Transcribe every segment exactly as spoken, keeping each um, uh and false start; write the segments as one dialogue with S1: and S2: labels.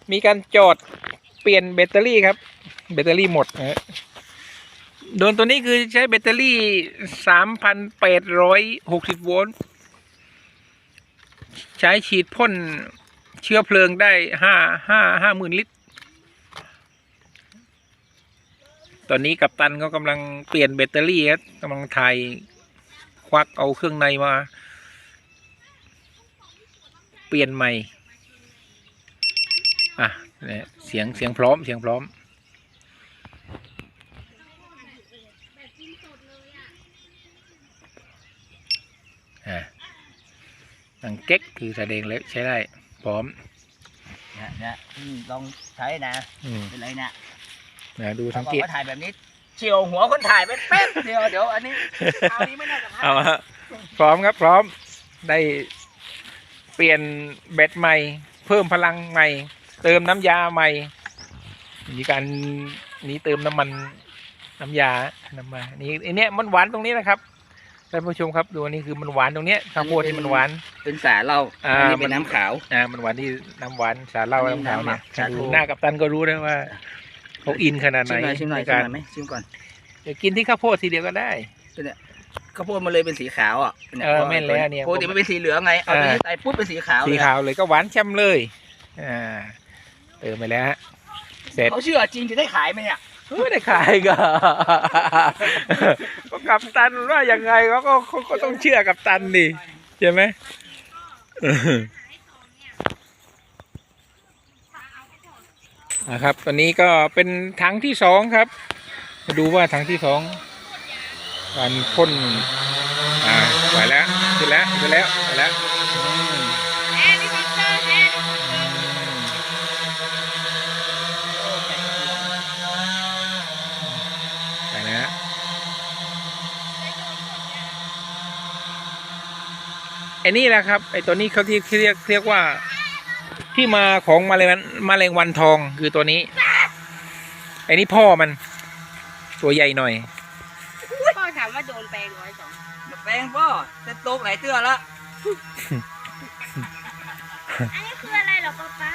S1: มีการจอดเปลี่ยนแบตเตอรี่ครับแบตเตอรี่หมดนะโดนตัวนี้คือใช้แบตเตอรี่ สามพันแปดร้อยหกสิบ โวลต์ใช้ฉีดพ่นเชื้อเพลิงได้ห้าห้าห้าหมื่นลิตรตอนนี้กัปตันเขากำลังเปลี่ยนแบตเตอรี่ครับกำลังถ่ายควักเอาเครื่องในมาเปลี่ยนใหม่อ่ะเสียงเสียงพร้อมเสียงพร้อมอ่ะดังเก๊กคือแสดงแล้วใช้ได้พร้อม
S2: เนี่ยเนี่ยลองใช้นะเป็นไรนะ
S1: นะดูสังเกต
S2: ถ่ายแบบนี้เฉียวหัวคนถ่ายไปแป๊บเดียวเดี๋ยวอันนี้เอานี้ไม่น่าจะพลาด
S1: เอาฮะพร้อมครับพร้อมได้เปลี่ยนแบตใหม่เพิ่มพลังใหม่เติมน้ำยาใหม่มีการนี้เติมน้ำมันน้ำยาน้ำมานี่ไอเนี้ยมันหวานตรงนี้นะครับท่านผู้ชมครับดูนี่คือมันหวานตรงเนี้ยข้าวโพดที่มันหวาน
S2: เป็นสาเหล้าอันนี้เป็นน้ำขาว
S1: อ่ามันหวานที่น้ำหวานสาเหล้าน้ำขาวเนี่ยดูหน้ากัปตันก็รู้ได้ว่าเขาอินขนาดไหน
S2: ในการชิมก่อน
S1: เดี๋ยวกินที่ข้าวโพดทีเดียวก็ได้
S2: เนี่ยข้าวโพดมันเลยเป็นสีขาวอ่ะ
S1: เออแม่นแล้วเนี่ย
S2: ปกติมันเป็นสีเหลืองไงเอาไปใส่ปุ๊บเป็นสีขาว
S1: สีขาวเลยก็หวานช่ำเลยอ่าเติมไปแล้วฮะเสร็จ
S2: เขาเชื่อจริงจะได้ขายไหมเนี่ย
S1: ไม่ได้ขายก็ก็กัปตันว่ายังไงเขาก็ก็ต้องเชื่อกัปตันดิใช่ไหมนะครับตอนนี้ก็เป็นถังที่สองครับมาดูว่าถังที่สองการพ่นอ่าไปแล้วขึ้นแล้วขึ้นแล้วไปแล้วไปนะไอ้นี่แหละครับไอ้ตัวนี้เขาที่เรียกเรียกว่าที่มาของแมลงแมลงวันทองคือตัวนี้ไอ้นี่พ่อมันตัวใหญ่หน่อย
S3: พ่อถามว่าโดนแปลงร้อยสอง
S2: แปลงพ่อจะโตกหลายเตื้อแล้ว
S3: อันนี้คืออะไรหรอป้า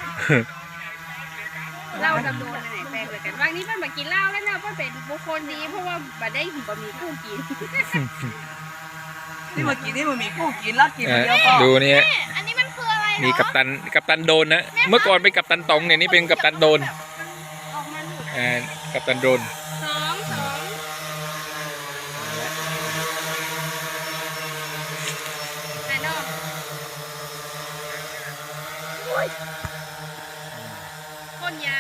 S3: เราทำโดนอะไรแปลงเหมือนกันวันนี้ป้ามากินเหล้าแล้วนะป้าเป็นบุคคลดีเพราะว่าบัดได้หิมบะหมี่กุ้งกิน
S2: นี่มากินนี่มันมีกุ้งกินแล้วกินเดียว
S1: ดูนี่
S3: อันนี้มันคืออะไร
S1: มีกัปตันกัปตันโดนนะเมื่อก่อนเป็นกัปตันตองเนี่ยนี่เป็นกัปตันโดนอ่ากัปตันโดน
S3: สองสองพ่นยา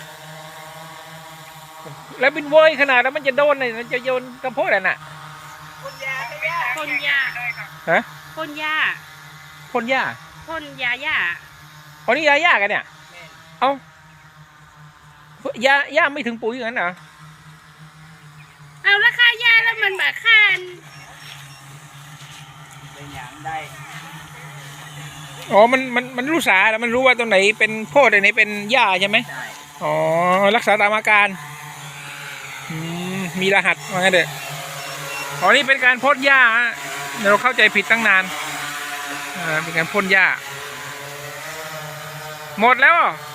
S1: แล้วบินเว้ยขนาดแล้วมันจะโดนเลยมันจะโยนกระโพดอ่ะน่ะ
S2: พ่นยา
S3: พ่นยา
S1: ฮะ
S3: พ่นยา
S1: พ่นยา
S3: พ่นยาหญ้า
S1: อ๋อนี่ยาหญ้ากันเนี่ยเอ้ายาหญ้าไม่ถึงปุ๋ยอย่างนั้นเหรอ
S3: เอาราคายาแล้วมันแบบค่า
S2: เป็นอย่างได้
S1: อ๋อมันมันมันรู้สาแล้วมันรู้ว่าตรงไหนเป็นโพดตรงไหนเป็นหญ้าใช่ไหม
S2: ใช่
S1: อ๋อรักษาตามอาการมีรหัสว่างั้นเด้ออ๋อนี่เป็นการพ่นหญ้าเราเข้าใจผิดตั้งนานอ่าเป็นการพ่นหญ้าหมดแล้ว